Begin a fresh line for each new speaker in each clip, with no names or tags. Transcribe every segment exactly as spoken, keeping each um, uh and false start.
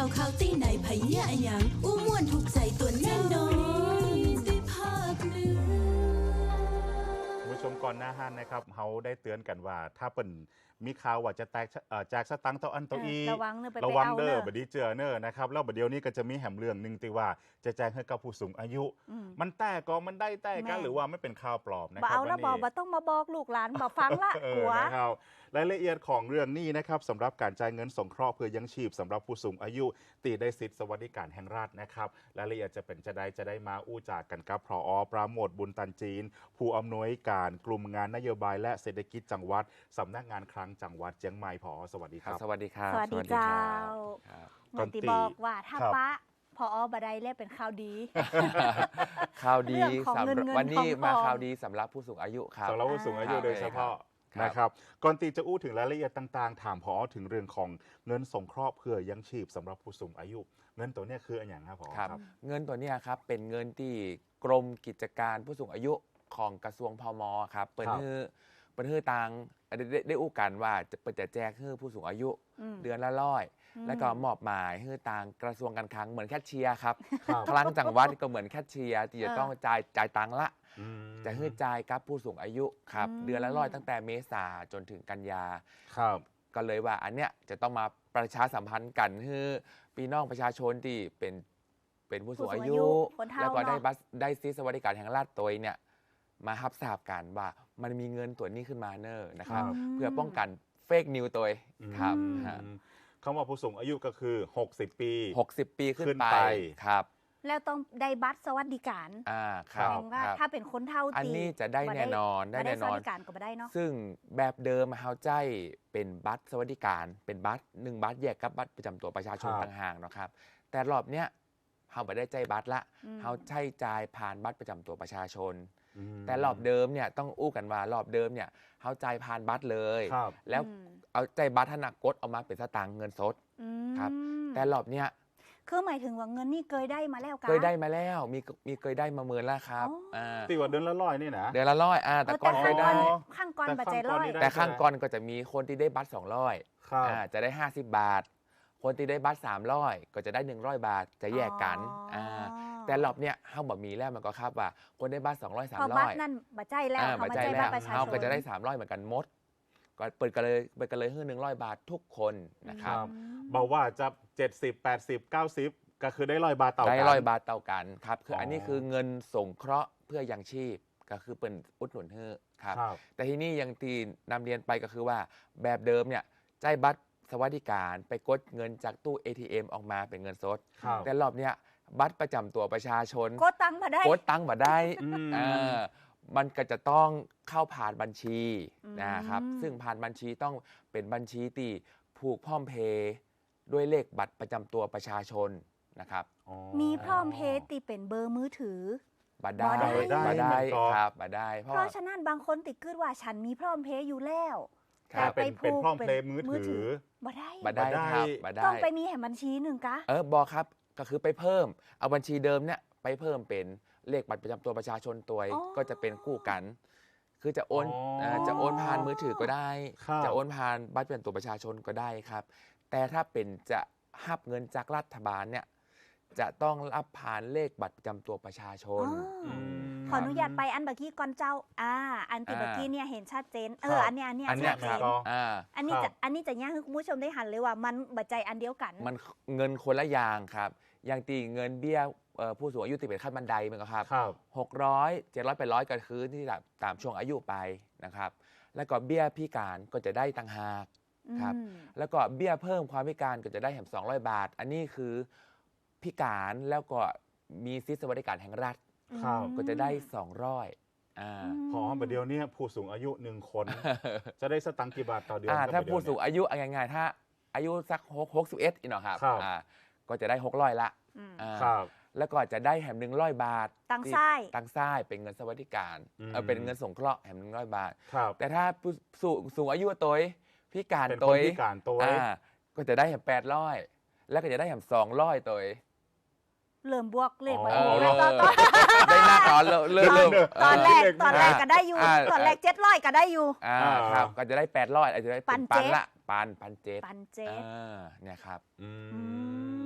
าวข่าวตีไหนไผเนี่ยอะหยังอู้ม่วนถูกใจตัวแน่นอนได้ภาคเหนือ
คุณผู้ชมก่อนหน้าห้านนะครับเขาได้เตือนกันว่าถ้าเป็นมีข่าวว่าจะแตกเอ่อแจกสตังค์เท่าอันเท่าอี
ระวังเนอะไป
ระวัง
ไปเอา
เด้
เน
อ
อะ
บดนีเจอเนอนะครับแล้วบดเดียวนี้ก็จะมีแหมเรื่องหนึ่งที่ว่าจะแจ้งให้กับผู้สูงอายุ
อืม
มันแต่ก็มันได้แต่กัน
แม่
หรือว่าไม่เป็นข่าวปลอมนะ
บ่
ครับ
เอาแล้วบ
วั
อน ก
นี้
บ่ต้องมาบอกลูกหลานบ่ฟังละ
เอก
ลั
อ
ว
นะครับรายละเอียดของเรื่องนี้นะครับสำหรับการจ่ายเงินสงเคราะห์เพื่อยังชีพสำหรับผู้สูงอายุตีได้สิทธิสวัสดิการแห่งรัฐนะครับรายละเอียดจะเป็นจะได้จะได้มาอู้จากกันกับพอปราโมทบุญตันจีน ผู้อำนวยการกลุ่มงานนโยบายและเศรษฐกิจจังหวัดสำนักงานคลังจังหวัดเชียงใหม่พอสวัสดีครับ
สวัสดีครับ
สวัสดีเจ้า
ครับ
เหมือนที่บอกว่าถ้า
ครับ
ป้าพอบ่ได้แล้วเป็นข่าวดี
ข่าวดี
เรื่องของ
สำห
เงิ
รับ
นเงิน
วันนี้
ทอง
มา
ทอง
ข่าวดีสำหรับผู้สูงอายุครับ
สำหรับผู้สูงอายุ
ครับ
โดยเฉพาะ
ครับ
นะครับก่อนตีจะอู้ถึงรายละเอียดต่างๆ ถามพอถึงเรื่องของเงินสงเคราะห์เพื่อยังชีพสำหรับผู้สูงอายุ เงินตัวเนี้ยคืออันอย่างครับพอ
ครับเงินตัวเนี้ยครับเป็นเงินที่กรมกิจการผู้สูงอายุของกระทรวงพมครับเปิดให้เปิดให้ตังได้ได้ได้อู้กันว่าจะเปิดจะแจกให้ผู้สูงอายุ
อืม
เดือนละร้อย
อืม
แล้วก็มอบหมายให้ตังกระทรวงการคลังเหมือนแคชเชียร์ครับ
ครับ
คลังจังหวัดก็เหมือนแคชเชียร์ที่จะ
เออ
ต้องจ่ายจ่ายตังค์ละ
อืม
จะให้จ่ายกับผู้สูงอายุครับ
อืม
เดือนละร้อยตั้งแต่เมษาจนถึงกันยา
ครับ
ก็เลยว่าอันเนี้ยจะต้องมาประชาสัมพันธ์กันให้พี่น้องประชาชนที่เป็นเป็นผู้สูงอายุ
คนเฒ่า
แล้วก็ได้
เนาะ
บัสได้ซิสวัสดิการแห่งรัฐตัวเนี่ยมาฮับทราบกันว่ามันมีเงินตัวนี้ขึ้นมาเนอร์นะครับ
ครับ
เพื่อป้องกันเฟกนิวตัวครับ
อืม
ฮะ
คำว่าผู้สูงอายุก็คือ หกสิบ ปี
หกสิบปีขึ้น
ขึ้น
ไป
ไป
ครับ
แล้วต้องได้บัตรสวัสดิการ
อ่าค
แส
รับ
ดงว่า
ครับ
ถ้าเป็นคนเฒ่า
อัน
ตี
นี้จะได้
บ่
แน่นอนได้
บ่
แน่
ส
นอ
วัน สดิการก็บ่ได้เนาะ
ซึ่งแบบเดิมเฮาใจเป็นบัตรสวัสดิการเป็นบัตรหนึ่งบัตรแยกกับบัตรประจำตัวประชาชน
ครับ
ต่างหากเนาะครับแต่รอบเนี้ยเฮาไม่ได้ใจบัตรละ
อืม
เฮาใช้จ่ายผ่านบัตรประจำตัวประชาชน
อืม
แต่รอบเดิมเนี่ยต้องอู้กันว่ารอบเดิมเนี่ยเฮาจ่ายผ่านบัตรเลย
ครับ
แล้ว
อืม
เอาใจบัตรธนากดออกมาเป็นสตางค์เงินสด
อืม
ครับ แต่รอบเนี้ย
คือหมายถึงว่าเงินนี่เคยได้มาแล้วกัน
เคยได้มาแล้วมีมีเคยได้มาเมินแล้วครับ
อ๋ออ่
า
ตีว่าเดือนละร้อยนี่นะ
เดือนละร้อยอ่าแต่
เออ
ก่อน
แต่
เคยได้
ข้างก่อน
แต่
ปัจจัย
ข้างก่
ร้
อน
อย
นี่ได้
แต่ข้างก่อนก็จะมีคนที่ได้บัตรสองร้อย
ครับ
อ่าจะได้ ห้าสิบบาท คนที่ได้บัตรสามร้อยก็จะได้หนึ่งร้อยบาทจะแยกกันอ่าแต่รอบเนี้ยเฮาบ่มีแล้วมันก็ครับว่า คนได้บัตรสองร้อย
พอบัต
สามร้อย
รนั่นบัตรใจแล้ว
อ่า
เขา
บัต
มาร
ใจ
ใจ
แล้
บัต
ว
รประชาชน
เฮาก็จะได้สามร้อยเหมือนกันหมดก็เปิดกันเลยเปิดกันเลยให้หนึ่งร้อยบาททุกคนนะค
ค
รั
รับ บ บอกว่าจะเจ็ดสิบ แปดสิบ เก้าสิบก็คือได้ร้อยบาทต่อ
ได้
กัน
ร้อยบาทเท่ากันครับคือ
อ๋ออั
อันนี้คือเงินสงเคราะห์เพื่อยังชีพก็คือเป็นอุดหนุนเฮ้อครับ
ครับ
แต่ที่นี่ยังตีนำเรียนไปก็คือว่าแบบเดิมเนี่ยจ่ายบัตรสวัสดิการไปกดเงินจากตู้ เอ ที เอ็ม ออกมาเป็นเงินสด
ครับ
แต่รอบเนี้ยบัตรประจำตัวประชาชน
กดตังค์มาได้
กดตังค์มาได้
อืม
เออมันก็จะต้องเข้าผ่านบัญชี
อืม
นะครับซึ่งผ่านบัญชีต้องเป็นบัญชีที่ผูกพร้อมเพย์ด้วยเลขบัตรประจำตัวประชาชนนะครับ
อ๋อ
มีพร้อมเพย์ตีเป็นเบอร์มือถือ
บัตรได้
บ่ได้
บัตรได้
มันก็
ครับบัตรได้เพ
เพ
ราะ
ราะฉะนั้นบางคนติดกึดว่าฉันมีพร้อมเพย์อยู่แล้ว
ครั
แต่
บ
เป็นเป็น
ผูก
พร้อมเพลย์
เป็น
มือ
มือถื
ถือ
อบ่ได้
บัตรได้
บัตรได้
ครับบัตรได้
ต้องไปมีแห่งบัญชีหนึ่งกะ
เออบอกครับก็คือไปเพิ่มเอาบัญชีเดิมเนี่ยไปเพิ่มเป็นเลขบัตรประจำตัวประชาชนตัว
อ๋อ
ก็จะเป็นคู่กัน คือจะโอน
อ๋อ
เอ่อจะโอนผ่านมือถือก็ได้
ครับ
จะโอนผ่านบัตรประจำตัวประชาชนก็ได้ครับ แต่ถ้าเป็นจะหับเงินจากรัฐบาลเนี่ยจะต้องรับผ่านเลขบัตรประจำตัวประชาช
อ๋อน
อืม
ขออนุญาตไปอันเมื่อกี้ก่อนเจ้า อ่า อันที่
อ่า
เมื่อกี้เนี่ยเห็นชัดเจน เอ
ครั
อบ อันเนี้ยอันเนี้ย
อันเนี้
ชั
ย
ดเจ
ครับ
น
ก็
อ่า
อันนี้
ครั
จะ
บ
อันนี้จะย่างให้คุณผู้ชมได้หันเลยว่ามันบัจใจอันเดียวกัน
มันเงินคนละอย่างครับ อย่างตีเงินเบี้ยเอ่อผู้สูงอายุติดเป็นขั้นบันไดมันก็ครับ
ครับ
หกร้อยเจ็ดร้อยแปดร้อยก็คือที่แบบตามช่วงอายุไปนะครับ แล้วก็เบี้ยพิการก็จะได้ต่างหาก ครับ
อืม
แล้วก็เบี้ยเพิ่มความพิการก็จะได้แถมสองร้อยบาท อันนี้คือพิการแล้วก็มีสิทธิสวัสดิการแห่งรัฐ
ครับ
ก็จะได้สองร้อยอ่า
พอประเดี๋ยวเนี้ผู้สูงอายุหนึ่งคน จะได้สตังค์กี่บาทต่อเดือน
อ่า
ครับ
ถ้า
ประเดี๋ยว
ผู้สูง
เนี่ย
อายุเอาง่ายๆถ้าอายุสักหกหกสิบเอ็ดอีกหน่อยครับ
ครับ
อ่าก็จะได้หกร้อยละ
อืม
อ่า
ครับ
แล้วก็จะได้แถมหนึ่งร้อยบาท
ตัง
ที่
ไส้
ตังซ้ายเป็นเงินสวัสดิการ
อืม
เออเป็นเงินสงเคราะห์แถมหนึ่งร้อยบาท
ครับ
แต่ถ้าผู้สูงสูงอายุตัวพิการ
เป็น
ตั
ค
วน
พิการตัว
อ่าก็จะได้แถมแปดร้อยแล้วก็จะได้แถมสองร้อยตัว
เริ่มบวกเลข
อ๋อ
มา
เออ
แล้วตอนตอน
ได้หน้าก่อนเริ่มเริ่มเริ่ม
ตอนแรก
เลข
ตอนแรกก็ได้อยู่
อ่า
ตอนแรกเจ็ดร้อยก็ได้อยู่
อ่า
อ่า
ครับก็จะได้แปดร้อยอาจจะได้
ปั
เป็น น
เจ็
ปั
ด
นละปันปันเจ็ด
ปันเจ็ด
อ่าเนี่ยครับ
อื
อื
ม
ม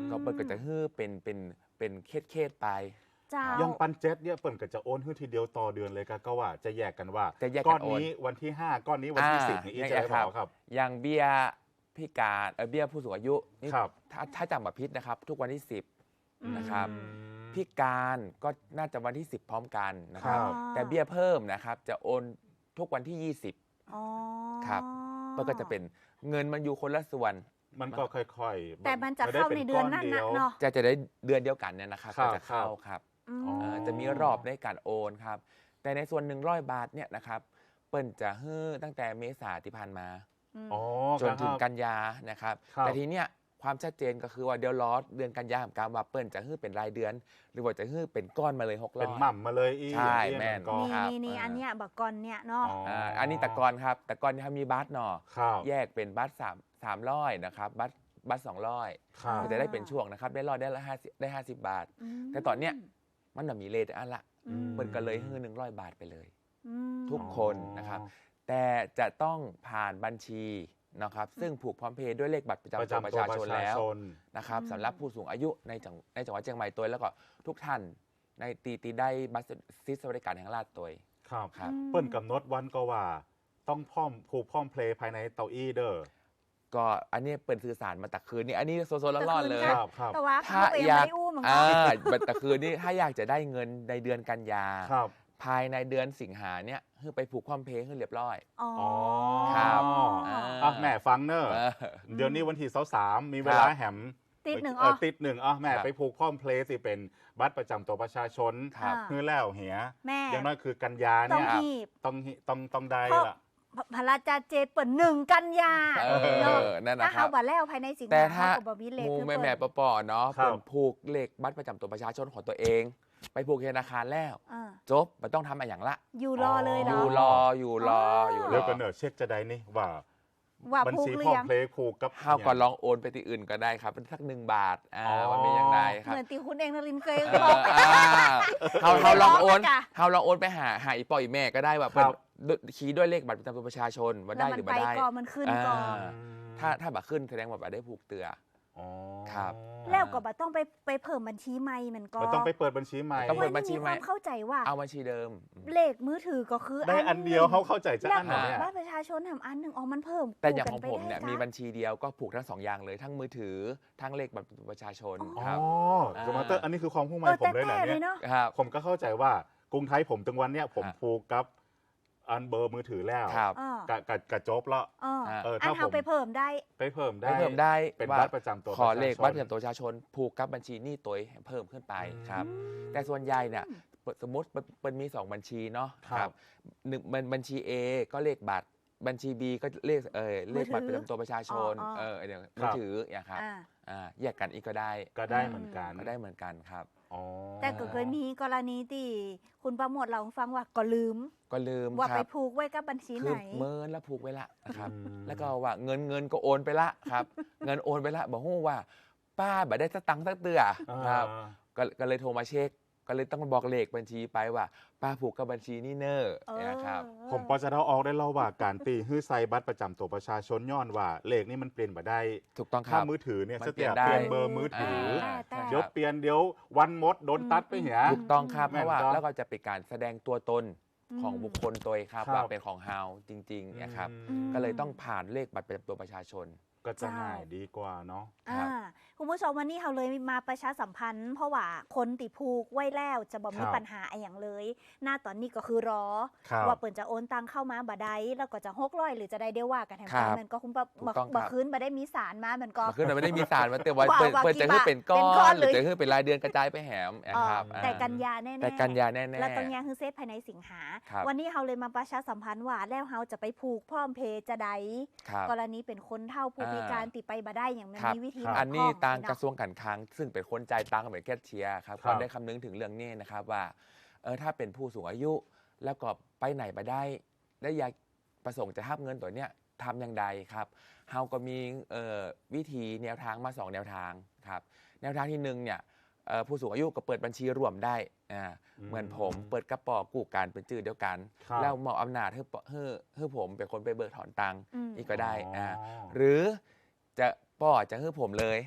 ก็เปิดก็จะฮื้อเป็นเป็นเป็นเคสเคสไป
เจ้า
ยังปันเจ็ดเนี่ยเปิ่นก็จะโอนให้ทีเดียวต่อเดือนเลยก็ก็ว่าจะแยกกันว่า
จะแยกกัน
ก้อน
โอน
นี้วันที่ห้าก้อนนี้วันที่
อ่า
สิบนี่อี
แยก
จะได้
ครับ
บอกครับ
อย่างเบี้ยพิการเออเบี้ยผู้สูงอายุนี่
ครับ
ถ้าถ้าจำแบบพิษนะครับ ทุกวันที่สิบ
อืม
นะครับ
อืม
พิการก็น่าจะวันที่สิบพร้อมกันนะครับ
ครับ
แต่เบี้ยเพิ่มนะครับจะโอนทุกวันที่ยี่สิบ
อ๋อ
ครับ มันก็จะเป็นเงินมันอยู่คนละส่วน
มันก็ค่อยๆ
แต่มันจะ
ไได้
เข้า
ป็
ในเดือนนั้น
ก้
นะ
ดียว
เนาะ
จะจะได้เดือนเดียวกันเนี่ยนะครับ
ครั
ก็
บ
จะเข้า
ครับ
ครับ
อืม
อ๋อ
เอ่อจะมีรอบในการโอนครับ แต่ในส่วนหนึ่งร้อยบาทเนี่ยนะครับเปิ้นจะฮื้อตั้งแต่เมษาที่ผ่านมา
ม
อ๋อ
จนถึง
ครับ
กันยานะครับ
ครับ
แต่ทีเนี้ยความชัดเจนก็คือว่าเดี๋ยวรอเดือนกันยาของการว่าเปิ้ลจะฮื้อเป็นรายเดือน หรือว่าจะฮื้อเป็นก้อนมาเลยหกร้
เป็
อน ย
หม่ำมาเลยอี
ใช่
อี
แม่น
ก็
นี่
ครับ
นี่นี่
อ่า
อันเนี้ยบักกอนเนี่ยเนาะ
อ๋ออ่
าอันนี้แต่ก่อนครับ แต่ก่อนที่เขามีบัตรเนาะ
ครับ
แยกเป็นบัตรสามสามร้อยนะครับบัตรบัตรสองร้อย
ครับ
ก็จะได้เป็นช่วงนะครับได้ร้อยได้ละห้าสิบได้ห้าสิบบาท
ม
แต่ตอนเนี้ย มันน่ะมีเลทอันละ
อืม
เปิ้ลก็เลยฮื้อหนึ่งร้อยบาทไปเลย
อืม
ทุกคนนะครับ แต่จะต้องผ่านบัญชีนะครับ ซึ่งผูกพร้อมเพย์ด้วยเลขบัตรประจำ
ประ
ตัว
จำ
ประ
ตัว
ชา
ประ
ชน
ชา
แล้ว
ชน
นะครับ
อืม
สำหรับผู้สูงอายุในจังในจังหวัดเชียงใหม่ตัวแล้วก็ทุกท่านในตีตีได้บัตรซิสวัสดิการแห่งรัฐตัว
ครับ
ครับ
อืม
เปิ้นกำหนดวันก็ว่า ต้องพร้อมผูกพร้อมเพลย์ภายในเตาอี้เด้อ
ก็อันนี้เปิดสื่อสารมาแต่คืนนี้อันนี้โซโซร้อนๆเลย
ครับครับ
แต่ว่า
ถ้า
เขาเอง
อยาก
ไม่อู้เหมือนกั
อ่าน บัตรแต่คืนนี้ถ้าอยากจะได้เงินในเดือนกันยา
ครับ
ภายในเดือนสิงหาเนี่ยคือไปผูกความเพย์ให้เรียบร้อย
อ๋อ
อ๋อ
ครับ
อ่า
อ่ะแม่ฟังเนอะ
เออ
เดี๋ยวนี้วันที่สามมีเวลาแหม
ติดหนึ่ง
เอ
อ๋อ
อติดหนึ่งอ่ะแม่
ครับ
ไปผูกพร้อมเพลย์สิเป็นบัตรประจำตัวประชาชน
ครับ
อ่า
คือแล้วเหีย
แม่
อย่างน้อยคือกันยา
ต้อง
เนี่ย
หีบ
ต้องหิต้องต้องได้
เพราะ
ละ
พระราชาเจดเปิดหนึ่งกันยา
เอ
เนาะ
อนั่นนะ
ถ้า
ครั
เขา
บ
บัแล้วภายในสิง
แต่
หา
ถ้า
เขาก็บมีเลข
หมู
คือ
แม่
เปิด
แม่ปอปอเนาะ
ครับ
เปิดผูกเลขบัตรประจำตัวประชาชนของตัวเอง ไปผูกธนาคารแล้ว
อ่า
จบมันต้องทำอะไรอย่างละ
อยู่รอเลยเหร
อ
อ
ยู่รออยู่รออยู่ร
แล้ว
อ
ก็เนอะเช็คจะได้นี่ว่า
ว่า
บัญ
ผูก
ชี
หรื
พร้อ
อ
ม
ยัง
เพลย์ผูกกับ
ข้าวก่อนลองโอนไปที่อื่นก็ได้ครับเป็นสักหนึ่งบาทอ่า
อ๋อ
มันเป็นยังไงครับ
เหมือนตีคุณเองนรินทร์เคย
เออบ
อ
อ่าเขาเขาลองโอน
จ้ะ
เขาลองโอนไปหาหาอีปอยอีแม่ก็ได้ว่าเป็นคีย์ด้วยเลขบัตรประจำตัวประชาชนว่า
แล้
ได้
วมั
หรือ
ไป
ไม่ได้
ก่อนมันขึ้นก่อน
อ่า ถ้าถ้าบัตรขึ้นแสดงว่าบัตรได้ผูกเตือ
อ๋อ
ครับ
แล้วก็บัต้องไปไปเพิ่มบัญชีใหม่เหมือนก็
มันต้องไปเปิดบัญชีใหม่
ต้องเปิดบัญชี
มี
ให
ค
ม่
วามเข้าใจว่า
เอาบัญชีเดิม
เลขมือถือก็คือ
ได้อันเดียวเขาเข้าใจจะ
แล้ว
อันไหนเนี่ย
บัตรประชาชนทำอันหนึ่งอ๋อมันเพิ่ม
แต่อย่าง
คู่
ของ
กั
ผม
ไปได้
เนี่ย
จ้ะ
มีบัญชีเดียวก็ผูกทั้งสองอย่างเลยทั้งมือถือทั้งเลขบัตรประชาชน
อ๋อ
ครับ
อ๋อจะมาเตอร์อันนี้คือความผู้ใหม่
เออ
ผม
แต่
เลย
แต่
นะ
เล
เนี่ย
ยเนาะ
ครับ
ผมก็เข้าใจว่ากรุงไทยผมถึงวันเนี้ยผม
อ่ะ
ผูกกับอันเบอร์มือถือแล้ว
ครับ
อ่า
กะกะกะจบละ
อ่า
อ่า
เออ
อั
ถ้าน
เขา
ผม
ไปเพิ่มได้
ไปเพิ่มได้
ได้เพิ่มได้
เป็น
ว่า
บัตรประจำตัว
ขอเลข
ประชาชน
บัตรประจำตัวประชาชน ผูกกับบัญชีหนี้ตัวให้เพิ่มขึ้นไปครับ แต่ส่วนใหญ่เนี่ยเปิดสมมติมันมันมีสองบัญชีเนาะ
ครับ
หนึ่งบัญบัญชี A ก็เลขบัตรบัญชี B ก็เลขเออเลขบัตร
มื
ป
อถือ
ระจำตัวประชาชน
อ๋ออ๋อ
เออเดี๋ยวมือถืออย่างครับ
อ่า
อ่าแยกกันอีกก็ได้
ก็ได้เหมือนกัน
ก็ได้เหมือนกันครับ
อ๋อ
แต่ก็เคยมีกรณีที่คุณประโมทเราให้ฟังว่าก็ลืม
ก็ลืม
ว่า
ค
ไป
รับ
ผูกไว้กับบัญชี
คื
ไห
อน เมินแล้วผูกไว้ละนะครับ
อืม
แล้วก็ว่าเงินเงินก็โอนไปละครับ เงินโอนไปละบอกฮู้ว่า ป้าบ่ได้สตังค์สักเตือครับ
อ่า
ก็ก็เลยโทรมาเช็ค ก็เลยต้องบอกเลขบัญชีไปว่า ป้าผูกกับบัญชีนี่เนอร์
เออ
นะครับ
ผมพอจะเดาออกได้แล้วว่าการตีฮื้อไซบัตรประจำตัวประชาชนย้อนว่าเลขนี่มันเปลี่ยนมาได้
ถูกต้องค
ถ้า
รับ
มือถือเนี่ย
มัน
สเตีย
เปลี่ยนได้
เปลี่ยนเบอร์มือถืออ
อ่า
แต่
ใช่
เดี๋ยว
ครับ
เปลี่ยนเดี๋ยววันมดโดนตัดไปเหีย
อืม
ถูกต้องครับ
แม่
เพ
น
ราะว่า
ครับ
แล้วก็จะเป็นการแสดงตัวตนของบุคคลตัวเองครับ
ครับ
ว่าเป็นของเฮาจริงๆนะครับ
อืม
ก็เลยต้องผ่านเลขบัตรประจำตัวประชาชน
ก็จะง่ายดีกว่าเนาะ
ครับ
อ่าคุณผู้ชมวันนี้เราเลยมาประชาสัมพันธ์ เพราะว่าคนติผูกไว้แล้วจะบ่มี
ครับ
ปัญหาอะไรอย่างเลย หน้าตอนนี้ก็คือรอ
ครับ
ว่าเปิ่นจะโอนตังเข้ามาบ่ได้แล้วก็จะหกร้อยหรือจะได้เดียวว่ากันแถม
ครับ
มันก็คุณปะ
ถูกต้องครับ
บ่คืนบ่ได้มีสารมามันก็
มันขึ้นไม่ได้มีสารมาเตือนไว้
ว่า
เปิด
ว่า
เปิดจะ
กี่
ให้
บาท
เป็นก้อ
เป็นก้อน
นหรือ
เลย
จะให้เป็นรายเดือนกระจายไปแหมนะครับ
เออแต่
อ่า
กันยาแน่ๆ
แต่กันยาแน่ๆ
แล้วตรงเนี้ยคือเซตภายในสิงหา
ครับ
วันนี้เราเลยมาประชาสัมพันธ์ว่าแล้วเราจะไปผูกพร้อมเพย์จะได้
ครับ
กรณีเป็นคนเฒ่าผู้พิการติดไปบ่ได้อย่างมัน
ครับ
มีวิธี
ครับ
อันนี้
บก
ตาง
เนาะ
กระทรวงการคลังซึ่งเป็นคนจ่ายตังค์เป็นแคชเชียร์ครับ
ครับ
ก็ได้คำนึงถึงเรื่องนี้นะครับว่าเออถ้าเป็นผู้สูงอายุ แล้วก็ไปไหนไปได้และอยากประสงค์จะทับเงินตัวเนี้ยทำอย่างใดครับเฮาก็มีเอ่อวิธีแนวทางมาสองแนวทางครับแนวทางที่หนึ่งเนี่ยเอ่อผู้สูงอายุก็เปิดบัญชีร่วมได้อ่า
อืม
เหมือนผมเปิดกระป๋อกู้การเป็นชื่อเดียวกัน
ครับ
แล้วมอบอำนาจให้ปให้ให้ผมเป็นคนไปเบิกถอนตังค์
อืม
นี่ก็ได้อ่า
อ๋อ
หรือจะป่อจะให้ผมเลย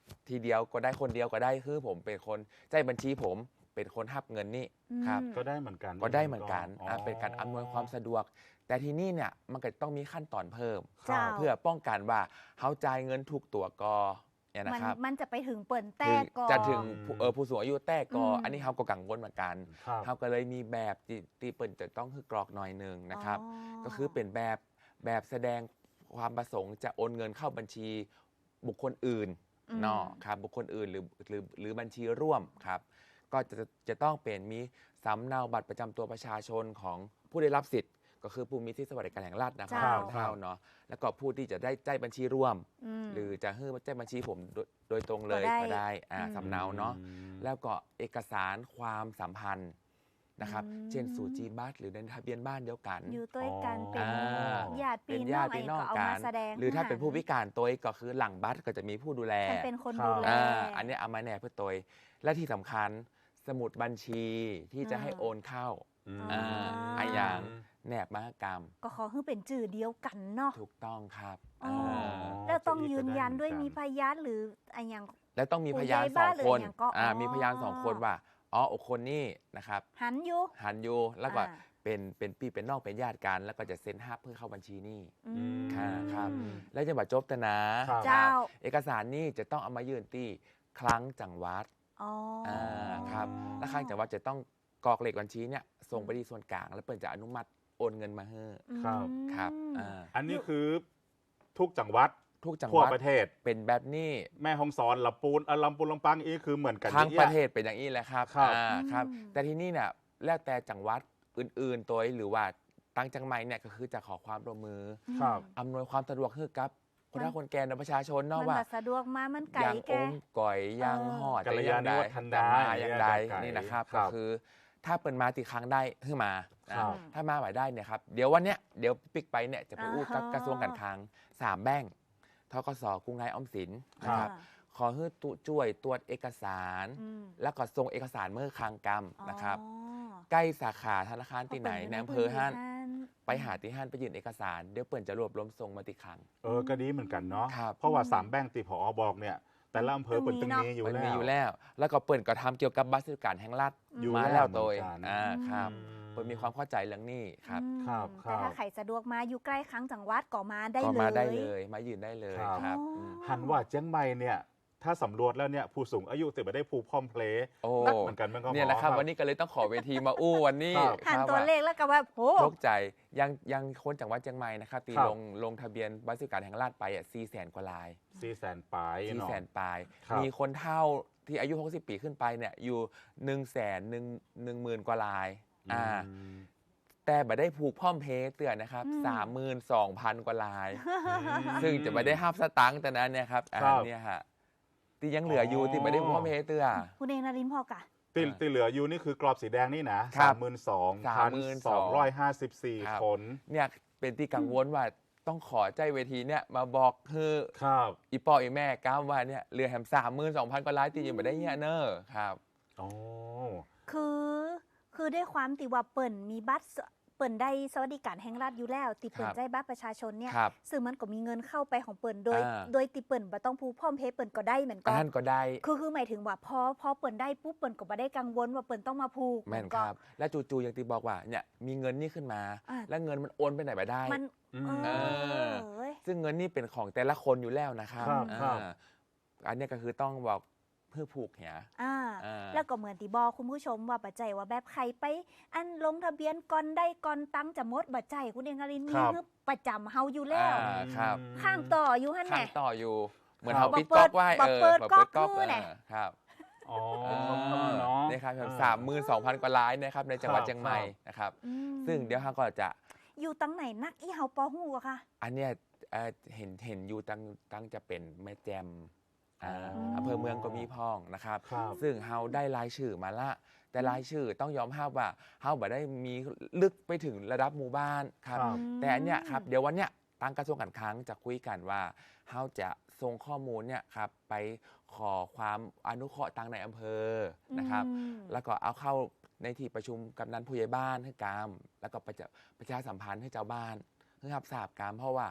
ทีเดียวก็ได้คนเดียวก็ได้คือผมเป็นคนใจบัญชีผมเป็นคนหับเงินนี่ครับ
อืม
ก็ได้เหมือนกัน
ก็ได้เหมือนกัน
อ๋อ
อ่าเป็นการอำนวยความสะดวก แต่ที่นี่เนี่ยมันก็ต้องมีขั้นตอนเพิ่ม
ครับ
เจ้า
เพื่อป้องกันว่าเขาจ่ายเงินถูกตัวกอเนี่ย
มัน
นะครับ
มันจะไปถึงเปิ่น
ถึ
แต้
ง
ก่อน
จะถึงผู้เออผู้สูงอายุแต่กอ
อืม
อันนี้เขาก็กังวลเหมือนกัน
ครับ
เขาก็เลยมีแบบที่ที่เปิ่นจะต้องคือกรอกหน่อยหนึ่งนะครับ
อ๋อ
ก็คือเป็นแบบแบบแสดงความประสงค์จะโอนเงินเข้าบัญชีบุคคลอื่น
อืม
เนาะครับบุคคลอื่นหรือหรือหรือบัญชีร่วมครับ ก็จะจะต้องเป็นมีสำเนาบัตรประจำตัวประชาชนของผู้ได้รับสิทธิ์ ก็คือผู้มีสิทธิสวัสดิการแห่งรัฐนะครั
เจ้า
บเท่าเนาะแล้วก็ผู้ที่จะได้ใจบัญชีร่วม
ม
หรือจะให้ใจบัญชีผมโดยโดยตรงเลย
ก็ได้
ก็ได้อ่า
อืม
สำเนาเนาะ
อืม
แล้วก็เอกสารความสัมพันธ์นะครับ
อืม
เช่นสูจีบัตรหรือในทะเบียนบ้านเดียวกัน
อยู่ด้วยกันเป็น
อ่า
ญาติ
เป็
พี่
น
น้
ญา
อง
ติ
ไอ้
พี่น้อง
ก็เอา
กั
มาน แสดง
หรือถ้าเป็นผู้พิ
ให้
การตัวเองก็คือหลังบัตรก็จะมีผู้ดูแล
ฉันเป็นคน
ครับ
ดูแล
อ่าอันนี้เอามาแนบเพื่อตัวเองและที่สำคัญสมุดบัญชีที่จะให้
อ่า
โอนเข้า
อืม
อ่าไอ้อย่าง แนบมหกรรม
ก็ขอให้เป็นจื่อเดียวกันเนาะ
ถูกต้องครับ
อ๋อ
อ่า
แล้วต้อง
จะอีก
ยืนยันด้วย
ก็ได้เหมื
มี
อน
พ
กัน
ยานหรืออะไรอย่าง
แล้วต้องมี
ผู้
พยาน
ใหญ่
สอ
บ้าง นหรือ
คน
อย่างก็
อ่า
อ๋อ
มีพยานสองคนว่าอ๋อคนนี้นะครับ
หันอยู่
หันอยู่แล้วก็
อ่า
เป็นเป็นพี่เป็นน้องเป็นญาติกัน แล้วก็จะเซ็นฮับเพื่อเข้าบัญชีนี่
อืม
ค่ะครับ แล้วจะบัตรจบแต่นะครับ
เจ้า
เอกสารนี่จะต้องเอามายื่นที่คลังจังหวัด
อ๋ออ
อ่าครับและคลังจังหวัดจะต้องกรอกเลขบัญชีเนี่ยส่งไปที่ส่วนกลาง แล้วเปิดจะอนุมัติโอนเงินมาให้
ครับ
ครับ
อืม
อ่า
อันนี้คือทุกจังหวัด
ทุกจังห
ทั่ว
วัด
ประเทศ
เป็นแบบนี้
แม่ฮ่องสอนลำปูนเอ่อลำปูนลำปางอีกคือเหมือนกัน
ทั้ง
นี่
ประเทศเป็นอย่างนี้แหละครับ
ครับ
อ่าครับ
อืม
แต่ที่นี่เนี่ยแล้วแต่จังหวัดอื่นๆตัวหรือว่าตั้งจังไม่เนี่ยก็คือจะขอความร่วมมือ
ครับ
อำนวยความสะดวกให้กับคนเฒ่าคนแก่ในประชาชน
มั
เนาะ
น
ว่า
แบบสะดวกมามันไก่
ยัง
แก
อมก่อยยัง
เออ
หอด
กัลยาณิวัฒนา
จะมาอย่างใด
ไก่
นี่นะครับ
ครั
ก็
บ
คือถ้าเปิดมาตีครั้งได้ขึ้นมา
ครับ
อ่าถ้ามาไหวได้เนี่ยครับเดี๋ยววันเนี้ยเดี๋ยวปิกไปเนี่ยจะไปอู้กับ
อ่าฮะ
กระทรวงการคลังสามแบงก์ทกสกรุงไทยออมสินนะค
ครั
รับ
บ
ขอให้ตุช่วยตรวจเอกสาร
อืม
แล้วก็ส่งเอกสารเมื่อคลังกรรมนะครับ
อ๋อ
ใกล้สาขาธนาคารที่ไหน
พ
ใน
ปิด
อำเภอห้าน
พื้ที่
ไปหาที่ห้านไปยื่นเอกสารเดี๋ยวเปิ่นจะรวบรวมส่งมาติครั้ง
เออก็ดีเหมือนกันเนาะ
ครับ
เพราะว่าสามแบงค์ตีผอบอกเนี่ย แต่ละอำเภอเปิดตึงนี้อยู่
มัน
แล้
มี
ว
อยู่แล้ว แล้วก็เปิ่นก็ทำเกี่ยวกับบัตรสวัสดิการแห่งรัฐ
อยู่
มา
แล้
แล้ว ว
เหมื
โด
อน
ย
กัน
อ่าครับ
อืม
เปิ่นมีความเข้าใจเรื่องนี้ครับ
อืม
ครับครั
แต่
บ
ถ้าใครสะดวกมาอยู่ใกล้ครั้งจังหวัดก็มาได้
ก็
เลย
มาได้เลยมายืนได้เลย
ครับ
ครับ
อ๋ออื
ม
หันว่าเจียงใหม่เนี่ย ถ้าสำรวจแล้วเนี่ยผู้สูงอายุติดมาได้ผูกพร้อมเพลย์
โอ้
นักเหมือนกันมันก็
เนี่ยนะครับ
หมอ
วันนี้ก็เลยต้องขอเวทีมาอู้วันนี้
ครับ
หัน
ครับ
ตัว
ว่า
เลขแล้วก็แบบโห
โชคใจยังยังคนจังหวัดเชียงใหม่นะครับตี
ครับ
ลงลงทะเบียนบัตรสวัสดิการแห่งรัฐไปอ่ะสี่แสนกว่าลาย
สี่แสนปลาย
สี่
เนาะ
แสนปลาย
ครับ
มีคนเท่าที่อายุหกสิบปีขึ้นไปเนี่ยอยู่หนึ่งแสนหนึ่งหนึ่งหมื่นกว่าลายอ่า
อืม
แต่บัได้ผูกพ่อมเพย์เตือนนะครับสามหมื่นสองพันกว่าลาย ซึ่งจะไม่ได้ห้าบสตังค์แต่นั้นเนี่ยครับอ่า
ครับ
เนี่ยฮะที่ยังเหลืออยู่ที่ไม่ได้ผูกพ่อมเพย์เตือน
คุณเองนารินพอกะ
ติ
อ่า
ติเหลืออยู่นี่คือกรอบสีแดงนี่นะครับ สามหมื่นสองพันสองร้อยห้าสิบสี่
ครับ
คน
เนี่ยเป็นที่กังวลว่าต้องขอใจเวทีเนี่ยมาบอกคือ
ครับ
อีปออีแม่ก้าวว่าเนี่ยเหลือแฮมสามหมื่นสองพันกว่าล้านที่ยังไม่ได้เนี่ยเนอะครับ
โอ้
คือคือด้วยความติว่าเปิ่นมีบัตรสเปิ่นได้สวัสดิการแห่งรัฐอยู่แล้ว ติเปิ่น
ครับ
ใจบัตรประชาชนเนี่ย
ครับ
ซึ่งมันก็มีเงินเข้าไปของเปิ่นโดย
อ่า
โดยติเปิ่นบ่ต้องผูกพร้อมเพย์เปิ่นก็ได้เหมือนกั
ท่านก็ได้
คือคือหมายถึงว่าพอพอเปิ่นได้ปุ๊บเปิ่นก็บ่ได้กังวลว่าเปิ่นต้องมาผูก
แม่น
ก็
ครับ และจู่ๆอย่างที่บอกว่าเนี่ยมีเงินนี่ขึ้นมา
อ่า
แล้วเงินมันโอนไปไหนไปได้
มัน
อืม
เอ
เออ
อเว้ย
ซึ่งเงินนี่เป็นของแต่ละคนอยู่แล้วนะครับ
ครับครับ
อ่าอันเนี้ยก็คือต้องบอกเพื่อผูกเหีย
อ่า
อ่า
แล้วก็เหมือนที่บอกคุณผู้ชมว่าปัจจัยว่าแบบใครไป อันลงทะเบียนก่อนได้ก่อนตั้งจะหมดบัจจัยคุณเองอรินมี
ครับ
ฮึบประจำเฮาอยู่แล้ว
อ่าครับ
ข้างต่ออยู่หั่น
ข้า
แห
ง
ละ
ต่ออยู่ เหมือน
ครับ
เขาปิดก๊อกไว้
บ่
เออ
เปิด
บ่
ก๊อก
ก๊อก
คือแหละ
เออครับ
อ๋อ
อ่า
เนาะ
นี่ครับ
เออ
สามหมื่นสองพันกว่าล้านนะครับในจังหวัด
ครับ
เชียงใหม่นะครับ
อืม
ซึ่งเดี๋ยวเราก็จะ
อยู่ตั้งไหนนักอีเฮาปอฮู้อะค่ะ
อันเนี้ยเอ่อเห็นเห็นอยู่ตั้งตั้งจะเป็นแม่แจมอ่า
อ๋ออ
อำเภอเมืองก็มีพ้องนะครับ
ครับ
ซึ่งเฮาได้รายชื่อมาละ แต่รายชื่อต้องยอมรับว่าเฮาบ่ได้มีลึกไปถึงระดับหมู่บ้านครับ
ครับ
แต่อันเนี้ยครับเดี๋ยววันเนี้ยทางกระทรวงการคลังจะคุยกันว่าเฮาจะส่งข้อมูลเนี่ยครับไปขอความอนุเคราะห์ทางในอำเภอนะครับ
อืม
แล้วก็เอาเข้าในที่ประชุมกำนันผู้ใหญ่บ้านให้กามแล้วก็ประชาประชาสัมพันธ์ให้เจ้าบ้านให้รับทราบกามเพราะว่า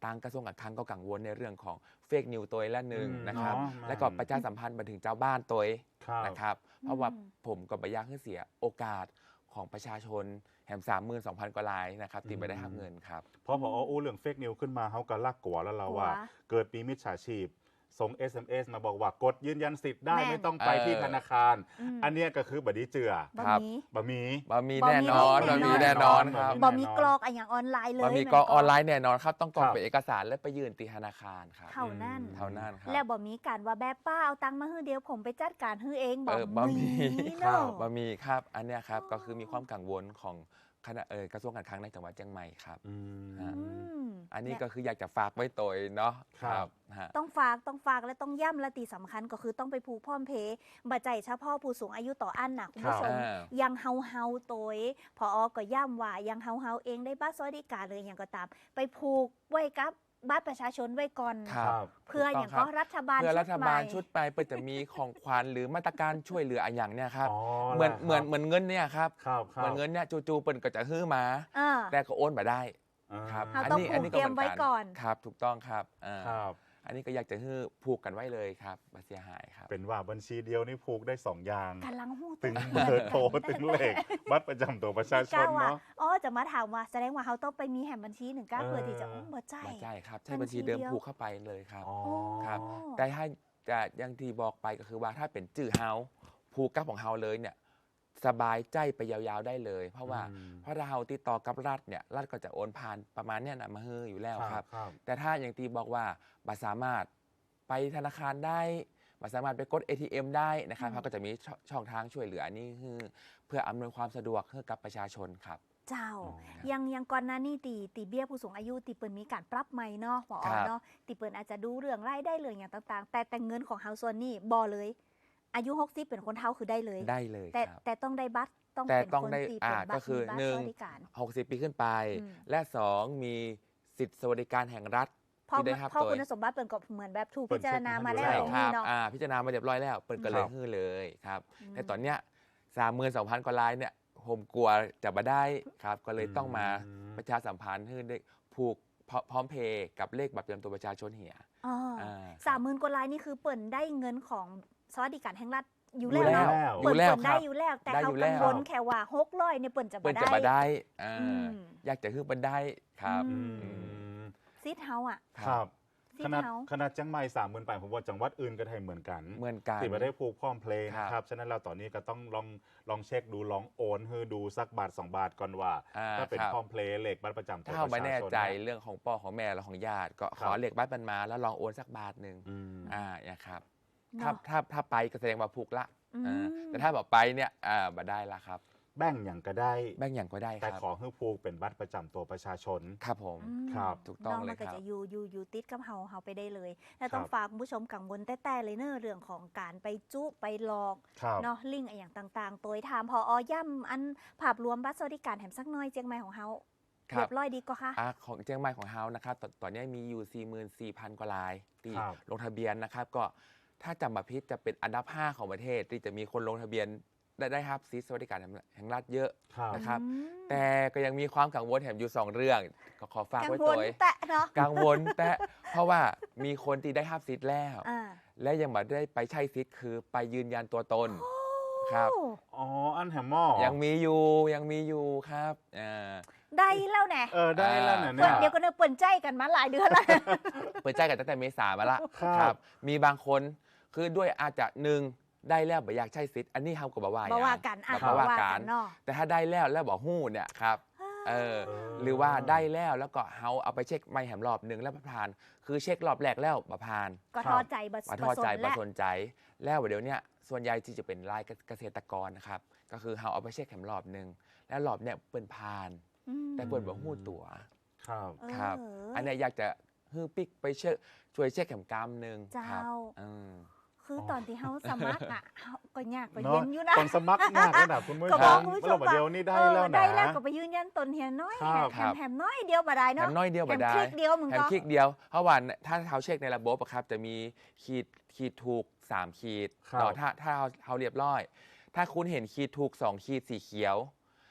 ทางกระทรวงการคลังก็กังวลในเรื่องของเฟกนิวตัวละหนึ่ง
อืม
นะครับ
อ๋อ
และก็ประชาสัมพันธ์มาถึงเจ้าบ้านตัว
ครับ
นะครับเพราะว่าผมก็ไม่อยากให้เสียโอกาสของประชาชนแหมสามหมื่นสองพันกว่ารายนะครับที่ไม่ได้รับเงินครับ
เพราะพออู้เรื่องเฟกนิวขึ้นมาเขาก็ลักกลัวแล้วเราว่า
กลัว
เกิดมีมิจฉาชีพส่ง เอส เอ็ม เอส มาบอกว่ากดยืนยันสิทธิ์ได้
แม่น
ไม่ต้องไป
เออ
ที่ธนาคาร
อืม
อันเนี้ยก็คือบัดดีเจือ
บะ
ครับ
หมี่
บะหมี่
บะหมี่
บะหมี่
แน่นอน
แน่
บะ
นอน
หมี่แน่นอนครับ
บ่มีกรอกอะอย่างออนไลน์เลย
บะหมี่
แน
กรอกออนไลน์แน่นอนครับต้องกรอก
ครับ
เป็นเอกสารและไปยื่นที่ธนาคารครับ
เท่านั้น
เท่านั้นครับ
แล้วบ่มีการว่าแบบป้าเอาตังค์มาให้เดียวผมไปจัดการให้เองบ่
เออบะหมี่
เนาะ
บะหมี่ครับอันเนี้ยครับก็คือมีความกังวลของคณะเออกระทรวงการคลังในจังหวัดเชียงใหม่ครับ
อืม
ฮะ
อืม
อันนี้
เย
ก็คืออยากจะฝากไว้ตัวเนาะ
ครับ
ฮะ
ต้องฝากต้องฝากและต้องย่ำและตีสำคัญก็คือต้องไปผูกพร้อมเพย์บัจใจเฉพาะผู้สูงอายุต่ออันนะคุณผู้ชม
อ่า
ยังเฮาเฮาๆตัวพออก็ย่ำว่ายังเฮาเฮาๆเองได้บัตรสวัสดิการเลยอย่างก็ตาม ไปผูกไว้กับบัตรประชาชนไว้ก่อน
ครับ
เพื่ออย่างก็รัฐบาล
เพื่อรัฐบาล
ใหม่
ชุดไปเพื่อจะมีของขวัญหรือมาตรการช่วยเหลืออะไรอย่างเนี้ยครับ
อ๋อ
เหมือน
แล้ว
เหมือน
ครับ
เหมือนเงินเนี่ยครับ
ครับค
เห
รั
มือบ นเงินเนี่ยจู่ๆเปิ่นก็จะฮื้อมา
อ่า
แต่ก็โอนมาได้
อ่า
ครับ
เราต้องผูกเตรียมไว้ก่อน
ครับถูกต้องครับอ่า
ครับ
อันนี้ก็อยากจะฮื้อผูกกันไว้เลยครับบ่เสียหายครับ
เป็นว่าบัญชีเดียวนี่ผูกได้สองอย่าง
กำลังหู
ตึง
ตัว
เบอร์โทรตึงเลขบัตรประจำตัวประชาชน
ก้าวว่า
เนาะ
อ๋อจะมาถามว่าแสดงว่าเขาต้องไปมีแหมบัญชีหนึ่งก้า
เออ
เพื่อที่จะอ๋อบ่ใจ
ไม่ใช่ครับ ใช้
บั
บั
ญ
ญ
ชี
ชีเดิม
เดียว
ผูกเข้าไปเลยครับ
อ๋อ
ครับ แต่ถ้าจะอยังที่บอกไปก็คือว่าถ้าเป็นจื่อเฮาผูกกับของเฮาเลยเนี่ยสบายใจไปยาวๆได้เลย เพราะว่า
อืม
เพราะถ้าเฮาติดต่อกับรัฐเนี่ยรัฐก็จะโอนผ่านประมาณเนี้ยนะมาเฮออยู่แล้วครับ
ครับ
แต่ถ้าอย่างที่บอกว่าบัสามารถไปธนาคารได้บัสามารถไปกด เอ ที เอ็ม ได้นะครับ
อืม
เขาก็จะมีช่องช่องทางช่วยเหลืออันนี้คือเพื่ออำนวยความสะดวกให้กับประชาชนครับ
เจ้า
อ๋อ
ยังยังก่อนหน้านี้ตีตีเบี้ยผู้สูงอายุตีเปินมีการปรับใหม่เนาะหมออ
ครับ
เนาะตีเปินอาจจะดูเรื่องรายได้เรื่องอย่างต่างๆ แต่แต่เงินของเฮาส่วนนี้บ่เลย อายุหกสิบเป็นคนเฒ่าคือได้เลย
ได้เลย
แต่
ครับ
แต่ต้องได้บัตรต้อง
แต่
เป็น
ต้อง
คน
ได้
ตี
อ่า
เป็นบั
ก็
ตร
คือ
มีบัตร
หนึ่ง
สวัสดิการ
หกสิบปีขึ้นไป
อืม
และสองมีสิทธิสวัสดิการแห่งรัฐ
พอ
ที่ได้รับ
พอ
โดย
คุณสมบัติเปินก็เหมือนแบบถูก
เปิ
พิ
ด
จารณามาแล้ว
เช็
ใช่
ค
อ
มา
ย่าง
ค
นี้
รับ
เนาะ
อ่าพิจารณามาเรียบร้อยแล้วเปิดก็เล
ครั
ย
บ
ฮือเลยครับ
อืม
แต่ตอนเนี้ยสามหมื่นสองพันกว่าลายเนี่ยผมกลัวจะมาได้ครับ ก็เลยต้องมา
อืม
ประชาสัมพันธ์ให้ได้ผูกพร้อพร้อมเพย์กับเลขบัตรประจำตัวประชาชนเหีย
อ๋อ
อ่า
สามหมื่นกว่าลายนี่คือเปิ่นได้เงินของสวัสดิการแห่งรัฐอยู่
อยู่
แล้ว
แล้ว
เนาะ
อ
เปิ่
ยู่
น
แล้ว
เปิ่น
ค
ได้
รับ
อยู่แล้ว แต่
ได้
เขา
อยู่
กัง
แล้ว
วลแค่ว่าหกร้อยเนี่ยเปิ่นจะ
เปิ
บ่
ดจะ
ได้
มาได้อ่า
อืม
อยากจะคือมันได้ครับ
อื
อืม
ซิดเฮาอ่ะ
ครับ
ซิ
ข
ด
นาด
เฮา
ขนาดจังไม่สามหมื่นไปผมว่าจังหวัดอื่นก็ได้เหมือนกัน
เหมือนกัน
ที่ไม่ได้ผูกพร้อมเพลง
ครับ
นะครับ ฉะนั้นเราตอนนี้ก็ต้องลองลองเช็คดูลองโอนให้ดูสักบาทสองบาทก่อนว่า
อ่า
ถ้าเป็น
ครับ
พร้อมเพลงเลขบัตรประจำตัว
ถ้าเราไม่แน่ใจ
ประชาชน
เรื่องของพ่อของแม่และของญาติ ก็ข
ครั
อบ เลขบัตรมันมาแล้วลองโอนสักบาทหนึ่ง
อืม
อ่าเนี่ยครับถ้า
เนาะ
ถ้าถ้าไปก็แสดงว่าผูกละ
อืม
อ่าแต่ถ้าแบบไปเนี่ยอ่ามาได้ละครับ
แบ่งอย่างก็ได้
แบ่งอย่างก็ได้ค
แต่
รับ
ขอให้ผูกเป็นบัตรประจำตัวประชาชน
ครับผม
อืม
ครับ
ถูกต้อง
นาะ
เลย
มันก็
ครับ
จะอยู่อยู่อยู่ติดกับเฮาเฮาไปได้เลย แต่ต้อง
ครับ
ฝากคุณผู้ชมกังวลแต่แต่เลยเนอะเรื่องของการไปจุไปหลอก
ครับ
เนาะลิงก์อะไรอย่างต่างๆ ตัวถามพออย่ำอันภาพรวมบัตรสวัสดิการแถมสักหน้อยเจียงใหม่ของเฮา
ครั
เรี
บ
ยบร้อยดีก็ค่ะ
อ่าของเชียงใหม่ของเฮานะครับตอนตอนนี้มีอยู่ สี่หมื่นสี่พัน กว่ารายที่
ครับ
ลงทะเบียนนะครับ ก็ถ้าจำมาพิษจะเป็นอันดับห้าของประเทศที่จะมีคนลงทะเบียนได้ได้รับสิทธิสวัสดิการแห่งรัฐเยอะ
ครับ
นะครับ
อืม
แต่ก็ยังมีความกังวลแถมอยู่สองเรื่อง ก็ขอฝาก
กัง
ไว้
ว
ตั
ล
ว
แตะเนาะ
กังวลแต่เพราะว่ามีคนที่ได้รับสิทธิ์แล้ว
อ่า
และยังไม่ได้ไปใช้สิทธิ์คือไปยืนยันตัวตนครับ
โอ้
อ๋อ อันแฮมหมอ
ยังมีอยู่ยังมีอยู่ครับอ่า
ได้แล้วแน่
เออ ได้แล้วนะ
เปิ
เนี่
ด
ย
เดี๋ยวก็เนอะเปิ่นใจกันมาหลายเดือนแล้ว
เปิดใจกันตั้งแต่เมษามาละ
ครับ
มีบางคนคือด้วยอาจจะหนึ่งได้แล้วบ่อยากใช้สิทธิ์อันนี้เฮาก็บ่ว่า
บ่ว่า
อย่ง
กันอ่ะ
บ่
บ่
ว่า
ว่า
กั
กัน นเนาะ
แต่ถ้าได้แล้วแล้วบอกหู้เนี่ยครับเออหรือว่าได้แล้วแล้วก็เฮาเอาไปเช็คไม่แหมรอบหนึ่งแล้วผ่าน คือเช็ครอบแรกแล้วบ่ผ่าน
ก็ท้อใจบั
มาทอดใจ
สน
มา
และ
สนใจ แล้วเดี๋ยวเนี้ยส่วนใหญ่ที่จะเป็นรายเกษตรกรนะครับก็คือเฮาเอาไปเช็คแหมรอบหนึ่งแล้วรอบเนี้ยเปิ้นผ่าน
อืม
แต่เปิ้นบ่หู้ตัว
ครับ
ครับ
เออ
อันเนี้ยอยากจะฮื้อปิกไปเช็คช่วยเช็คแหมกรรมหนึ่ง
เจ้า
ครับอืม
คือตอนที่เฮาสมัครอ่ะเฮาก็ยากไป
เนาะ
เย็นอยู่นะ
ตอนสมัครงานระดับคุณผู้
ก็
ช
บอก
ม
คุณผู้ช
เรา
ม
บอกเดียวนี่ได้
เออ
แล้วนะ
ได้แล้วก็ไปยืนยันตนเฮียน้อย
ครับ
แถมแถมน้อยเดียวบ่ได้
แถ
เนาะ
มน้อยเดียว
แถ
บ่
ม
ได้
คลิกเดียวมึง
แถม
ก็
คลิกเดียว เพราะว่าถ้าเขาเช็คในระบบอะครับจะมีขีดขีดถูกสามขีด
ครับ
ต่อถ้าถ้าเขาเขาเรียบร้อย ถ้าคุณเห็นขีดถูกสองขีดสีเขียว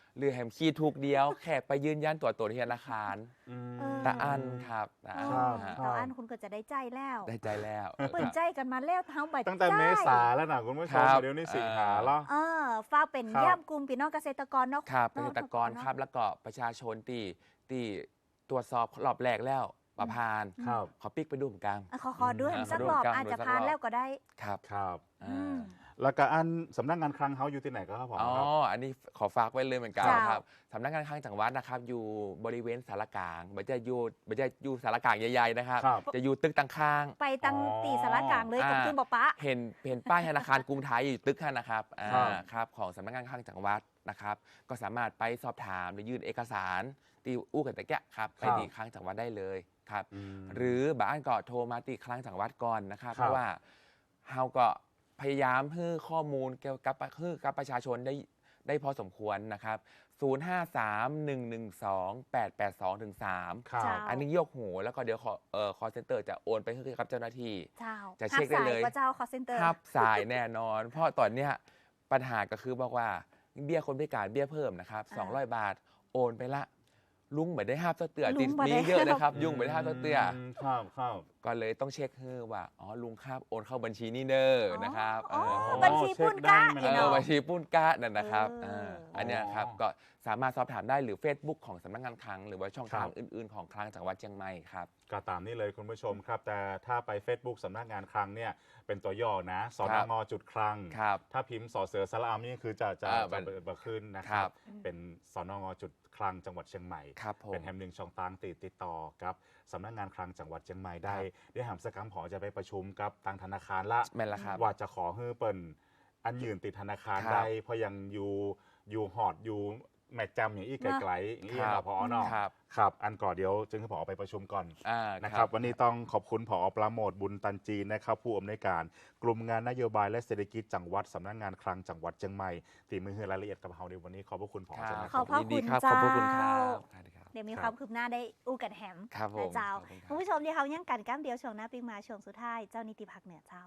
หรือแฮมคีย์ถูกเดียว แค่ไปยืนยันตัวตนที่ธนาคาร
อืม
เออ
ตาอันครับตาอัน
ครับ
ฮะ
เราอันคุณก็จะได้ใจแล้ว
ได้ใจแล้ว
เปิดใจกันมาแล้วเท้าใบ
ตั้งแต่เมษาแล้วนะคุณผู้ช
ครั
ม
บ
เดี๋ยวนี้สิงหาแล้ว
เออฝากเป็น
ครับ
ย่ำกลุ่มพี่น้องเกษตรกรเนาะ
ครับเก
นาะ
ษตรกรครับแล้วก็ประชาชนที่ที่ตรวจสอบรอบแรกแล้วประพาน
ครับ
ขอปิกไปดูเหมือนกัน
อ่ะขอขอด้วย
อ่า
สัก
ขอดู
รอบ
กัน
อาจจะ
ดูสัก
พาน
รอบ
แล้วก็ได้
ครับ
ครับ
อืม
แล้วก็อันสำนักงานคลังเฮาอยู่ที่ไหนก็ครับผม
อ๋อ
ครับ
อันนี้ขอฝากไว้เลยเหมือนกัน
เจ้า
ครับสำนักงานคลังจังหวัดนะครับ อยู่บริเวณสารกลางไม่ใช่อยู่ไม่ใช่อยู่สารกลางใหญ่ๆนะครับ
ครับ
จะอยู่ตึกตังข้าง
ไปตั้ง
อ๋อ
ตีสารกลางเลยกับ
อ่า
คุณบอกปะ
เห็นเห็นป้ายธนาคารกรุงไทยอยู่ตึกข้างนะครับอ่า
ครับ
ครับของสำนักงานคลังจังหวัดนะครับ ก็สามารถไปสอบถามหรือยื่นเอกสารตีอู้กันตะแกะครับไปที่คลังจังหวัดได้เลยครับ
อืม
หรือบางอันก็โทรมาติดคลังจังหวัดก่อนนะครับ
ครับ
เพราะว่าเฮาก็พยายามให้ข้อมูลเกี่ยวกับให้กับประชาชนได้ได้พอสมควรนะครับ ศูนย์ ห้า สาม หนึ่ง หนึ่ง สอง แปด แปด สอง ถึง สาม
ครับ
เจ้า
อันนี้ยกหูแล้วก็เดี๋ยวคอเอ่อ call center จะโอนไปให้กับเจ้าหน้าที่
เจ้า
จะเช็คได้เลย
หับสาก็เจ้า call center
ทับสายแน่นอน เพราะตอนเนี้ยปัญหาก็คือบอกว่าเบี้ยคนพิการเบี้ยเพิ่มนะครับ
อ่า
สองร้อย บาทโอนไปละลุงเหมือนได้ห้าบเตือ
ลุ
ติด
งบ่
มี
ได้
เยอะเลยครับ ยุ่งเหมือนได้ห้าบเตือ
มครับครับ
ก็เลยต้องเช็คให้ว่า อ๋อ ลุงครับ โอนเข้าบัญชีนี่เนอร์นะครับ
อ๋อ
เออ
บัญชีปุ้นกะ
เช็คได้ไหม
เอ
เนาะ
อบัญชีปุ้นกะนั่นนะครับ
เออ
เอออันเนี้ยครับ ก็สามารถสอบถามได้หรือ Facebook ของสำนักงานคลัง หรือว่าช่องทาง
ครับ
อื่น ๆ ของคลังจังหวัดเชียงใหม่ครับ
ก็ตามนี้เลยคุณผู้ชมครับ แต่ถ้าไป Facebook สำนักงานคลังเนี่ยเป็นตัวย่อนะส
ครั
น
บ
งจุดคลัง
ครับ
ถ้าพิมพ์สอเสือสระอามนี่คือจะจะ
อ่า
จะ
มัน
เปิดขึ้นนะค
ครั
รับ
บ
เป็นสนงจุดคลังจังหวัดเชียงใหม่
ครับผม
เป็นแห่งหนึ่งช่องทางติดติดต่อกับสำนักงานคลังจังหวัดเชียงใหม่ได้
ครับ
ได้หามสกรรมหอจะไปประชุมกับทางธนาคารละ
แม่นละครับ
ว่าจะขอให้เปิ่นอันยืนติดธนาคาร
ครับ
ได้เพราะยังอยู่อยู่หอดอยู่แมกจำอย่างอีกไกลๆอย่างนี้
ครั
เรา
บ
พอเนาะ
ครับ
ครับอันก่อนเดี๋ยวจึงให้ผอไปประชุมก่อน
อ่า
นะครับวันนี้ต้องขอบคุณผอปราโมทบุญตันจีนนะครับผู้อำนวยการกลุ่มงานนโยบายและเศรษฐกิจจังหวัดสำนักงานคลังจังหวัดเชียงใหม่ที่มือให้รายละเอียดกับเราในวันนี้ขอบพระคุณผอ
ครับ
จังนะ
ขอบพระ
ยินดีครับ
คุณ
ขอบพระคุณค
เจ้า
รับสวัสดีครับ
เดี๋ยวมี
ครับ
ความคืบหน้าได้อู้กันแฮม
ครับผม
นะเจ้า
ขอบคุณครับ
คุณผู้ชมที่เขายังกันก้ามเดียวช่วงหน้าปิ๊งมาช่วงสุดท้ายเจ้านิติพักเหนือเจ้า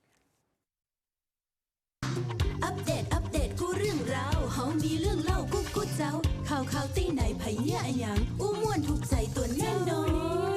อัปเดต อัปเดต กูเรื่องราวเฮามีเรื่องเล่ากูกูเจ้า ข่าวข่าวตีไหนไผเหี้ยอะหยังอู้ม่วนถูกใจตัวแน่นอน